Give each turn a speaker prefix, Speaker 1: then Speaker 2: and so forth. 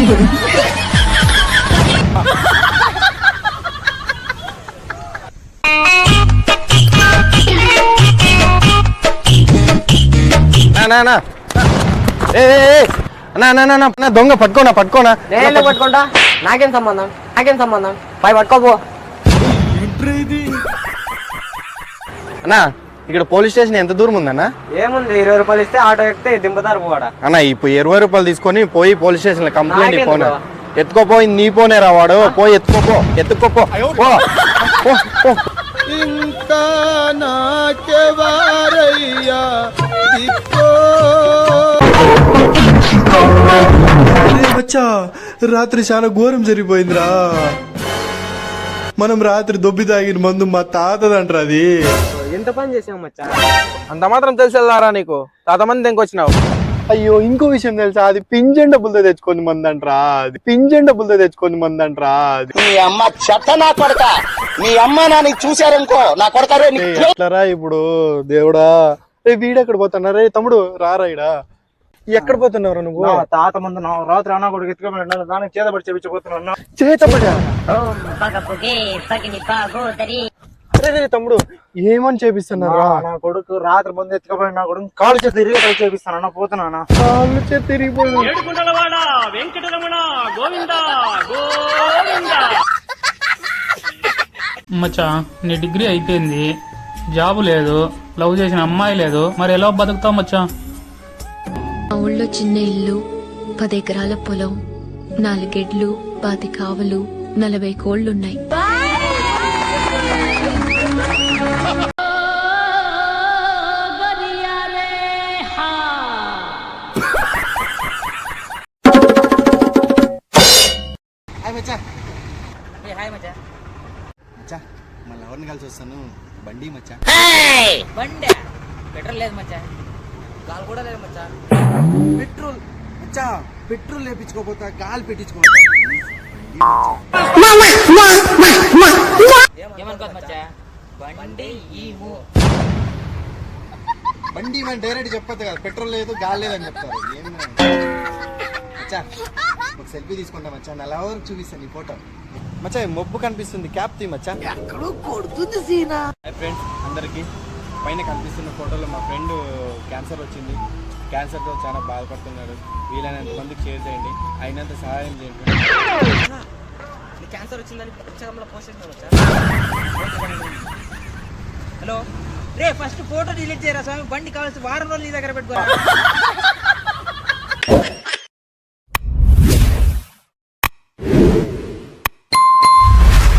Speaker 1: దొంగ పట్టుకోనా
Speaker 2: పట్టుకుంటా నాకేం సంబంధం పై పట్టుకోపో
Speaker 1: అన్నా. ఇక్కడ పోలీస్ స్టేషన్ ఎంత దూరం ఉందన్నా?
Speaker 2: ఏముంది 20 రూపాయలు ఇస్తే ఆటో ఎక్కితే దింపుతారు పోడా
Speaker 1: అన్న. ఇప్పుడు 20 రూపాయలు తీసుకొని పోయి పోలీస్ స్టేషన్ లో కంప్లైంట్ ఇవ్వను. ఎత్తుకోపోయి నీ పోనే రావాడు. పోయి ఎత్తుకోపో.
Speaker 3: ఇంకా నాకెవారయ్యా మచ్చా, రాత్రి చాలా ఘోరం జరిగిపోయిందిరా. మనం రాత్రి దొబ్బి తాగిన మందు మా తాతదంటారా అది.
Speaker 2: ఎంత పని చేసాం మచ్చా?
Speaker 1: అంత మాత్రం తెలిసేదారా నీకు? తాత మంది ఇంకొచ్చినావు. అయ్యో, ఇంకో విషయం తెలుసా? అది పింఛన్ డబ్బులతో తెచ్చుకొని మందంట్రా.
Speaker 4: నీ అమ్మ చెత్త నా కొడక, నీ అమ్మ నాని చూశారనుకో నా కొడతారే.
Speaker 1: ఎట్లరా ఇప్పుడు దేవుడా? రే వీడెక్కడ పోతున్నా? రే తమ్ముడు రారా ఇడా. ఎక్కడ పోతున్నావు నువ్వు?
Speaker 2: తాత ముందు రాత్రి అన్న కూడా ఎత్తుకోబడి దానికి చేతబడి చేపించబోతున్నా.
Speaker 1: తమ్ముడు ఏమని చేపిస్తున్నారా?
Speaker 2: నా కొడుకు రాత్రి ముందు ఎత్తుకోబడి నా కొడుకు కాలు చేతి తిరిగి చేపిస్తానన్నా. పోతున్నా
Speaker 1: కాళ్ళు చేతి తిరిగిపోయి.
Speaker 5: మచ్చా, నీ డిగ్రీ అయిపోయింది, జాబు లేదు, లవ్ చేసిన అమ్మాయి లేదు, మరి ఎలా బతుకుతావు మచ్చా?
Speaker 6: మా ఊళ్ళో చిన్న ఇల్లు, 10 ఎకరాల పొలం, 4 గెడ్లు, 10 కావలు, 40 కోళ్లున్నాయి.
Speaker 3: మళ్ళీ ఎవరిని కలిసి వస్తాను? బండి మచ్చా.
Speaker 7: బండి పెట్రోల్ లేదు మచ్చా, గాలి కూడా లేదు మచ్చా.
Speaker 3: పెట్రోల్ మచ్చా, పెట్రోల్ లేపించుకోపోతా, గాలి పెట్టించుకోపోతా.
Speaker 7: ఏమనుకోదు మచ్చా, బండి
Speaker 3: బండి మనం డైరెక్ట్ చెప్పొద్దు కదా, పెట్రోల్ లేదు గాలి లేదని చెప్తారు. మచ్చా, ఒక సెల్ఫీ తీసుకుంటా మచ్చా, నల్ల వరకు చూపిస్తాను నీ ఫోటో.
Speaker 1: మచ్చా మొబ్బు కనిపిస్తుంది, క్యాప్ తీ మచ్చా.
Speaker 4: ఎక్కడో కొడుతుంది సీనా.
Speaker 1: ఫ్రెండ్స్ అందరికి పైన కనిపిస్తున్న ఫోటోలో మా ఫ్రెండ్ క్యాన్సర్ వచ్చింది. క్యాన్సర్తో చాలా బాధపడుతున్నాడు. వీలైనంత మందికి షేర్ చేయండి, అయినంత సహాయం చేయండి.
Speaker 7: క్యాన్సర్ వచ్చిందని ఇన్స్టాగ్రామ్లో పోస్ట్ చేసిన మచ్చా. హలో రే, ఫస్ట్ ఫోటో డిలీట్ చేయరా స్వామి. బండి కావాల్సి వారం రోజులు నీ దగ్గర పెట్టుకోరా.